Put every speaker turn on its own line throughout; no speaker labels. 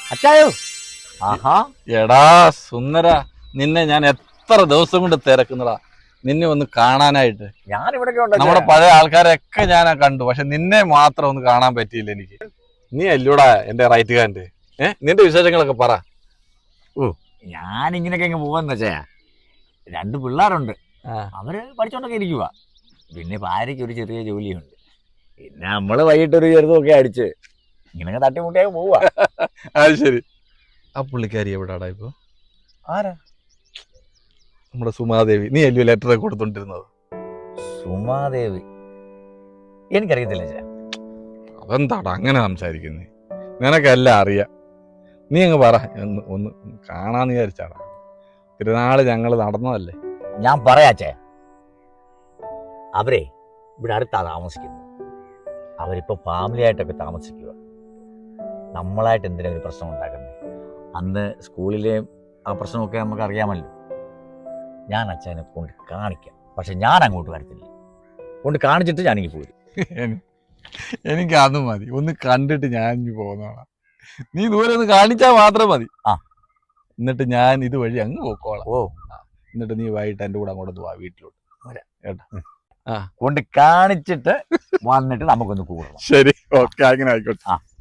അച്ചായോ? ആഹാ,
എടാ സുന്ദര, നിന്നെ ഞാൻ എത്ര ദിവസം കൊണ്ട് തിരക്കുന്നടാ നിന്നെ ഒന്ന് കാണാനായിട്ട്.
ഞാൻ ഇവിടെ
നമ്മുടെ പഴയ ആൾക്കാരൊക്കെ ഞാൻ കണ്ടു, പക്ഷെ നിന്നെ മാത്രം ഒന്ന് കാണാൻ പറ്റിയില്ല എനിക്ക്. നീ അല്ലൂടാ എന്റെ റൈറ്റ് ഹാൻഡ്. നിന്റെ വിശേഷങ്ങളൊക്കെ പറ.
ഞാൻ ഇങ്ങനെയൊക്കെ ഇങ്ങ് പോവാന്ന് വെച്ചാ, 2 പിള്ളേരുണ്ട്, അവര് പഠിച്ചോണ്ടൊക്കെ ഇരിക്കുക. പിന്നെ ഭാര്യയ്ക്ക് ഒരു ചെറിയ ജോലിയുണ്ട്. പിന്നെ നമ്മള് വൈകിട്ടൊരു ചെറുതൊക്കെ അടിച്ച് ഇങ്ങനെയൊക്കെ തട്ടിമുട്ടിയാൽ പോവാ.
അത് ശരി. ആ പുള്ളിക്കാരി എവിടാടാ ഇപ്പൊ?
ആരാ?
നമ്മുടെ സുമാദേവി. നീ അല്ലയോ ലെറ്റർ കൊടുത്തോണ്ടിരുന്നത്?
സുമാദേവി എനിക്കറിയത്തില്ല ചേ.
അതെന്താടാ അങ്ങനെ സംസാരിക്കുന്നേ? നിനക്കെല്ലാം അറിയാം. നീ അങ്ങ് പറ, ഒന്ന് കാണാന്ന് വിചാരിച്ചാടാ. തിരുനാള് ഞങ്ങൾ നടന്നതല്ലേ.
ഞാൻ പറയാച്ചേ, അവരെ ഇവിടെ അടുത്താ താമസിക്കുന്നത്. അവരിപ്പോ ഫാമിലി ആയിട്ടൊക്കെ താമസിക്കുക. നമ്മളായിട്ട് എന്തിനാ ഒരു പ്രശ്നം ഉണ്ടാക്കുന്നത്? അന്ന് സ്കൂളിലെ ആ പ്രശ്നമൊക്കെ നമുക്ക് അറിയാമല്ലോ. ഞാൻ അച്ഛനെ കൊണ്ട് കാണിക്കാം, പക്ഷെ ഞാൻ അങ്ങോട്ട് വരത്തില്ല. കൊണ്ട് കാണിച്ചിട്ട് ഞാനിങ്ങ് പോരും.
എനിക്ക് അത് മതി. ഒന്ന് കണ്ടിട്ട് ഞാൻ ഇനി പോകുന്നതാണ്. നീ ദൂരെ ഒന്ന് കാണിച്ചാൽ മാത്രം മതി. എന്നിട്ട് ഞാൻ ഇതുവഴി അങ്ങ് പോക്കോളാം. എന്നിട്ട് നീ വൈകിട്ട് എൻ്റെ കൂടെ അങ്ങോട്ട് പോവാ വീട്ടിലോട്ട്. കേട്ടോ?
കൊണ്ട് കാണിച്ചിട്ട് വന്നിട്ട് നമുക്കൊന്ന് കൂടണം.
ശരി, ഓക്കെ, അങ്ങനെ ആയിക്കോട്ടെ.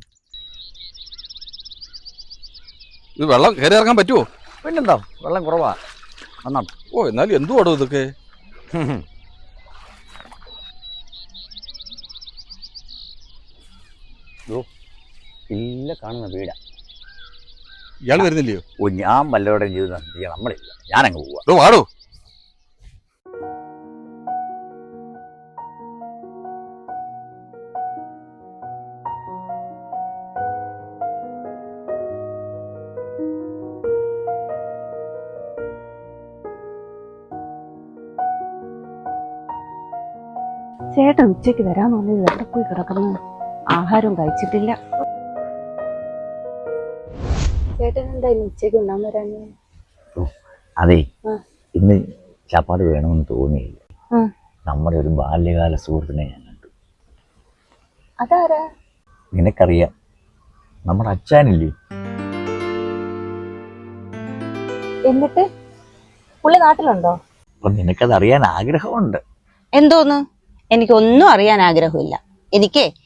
ഇത് വെള്ളം കയറി ഇറങ്ങാൻ പറ്റുമോ?
പിന്നെന്താ, വെള്ളം കുറവാ.
എന്നാലും എന്തുവാടോ ഇതൊക്കെ?
ഇല്ല, കാണുന്ന വീടാ.
ഇയാൾ വരുന്നില്ലയോ?
ഞാൻ വല്ലവരുടെയും ജീവിതം നമ്മളില്ല. ഞാനങ്ങ് പോവാ.
വാടോ.
ചേട്ടൻ ഉച്ചയ്ക്ക് വരാൻ തോന്നിയത് എവിടെ പോയി കിടക്കുന്നു? ആഹാരവും കഴിച്ചിട്ടില്ല. ചേട്ടൻ എന്തായാലും ഉച്ചയ്ക്ക് ഉണ്ണാൻ വരാന്?
അതെ, ഇന്ന് ചപ്പാത്തി വേണമെന്ന് തോന്നിയില്ല. നമ്മുടെ ഒരു ബാല്യകാല സുഹൃത്തിനെ ഞാൻ കണ്ടു.
അതാരാ?
നിനക്കറിയാം, നമ്മുടെ അച്ഛനില്ലേ?
എന്നിട്ട് പുള്ളി നാട്ടിലുണ്ടോ?
അപ്പൊ നിനക്കത് അറിയാൻ ആഗ്രഹമുണ്ട്.
എന്തോന്ന്? എനിക്കൊന്നും അറിയാൻ ആഗ്രഹമില്ല. എനിക്ക്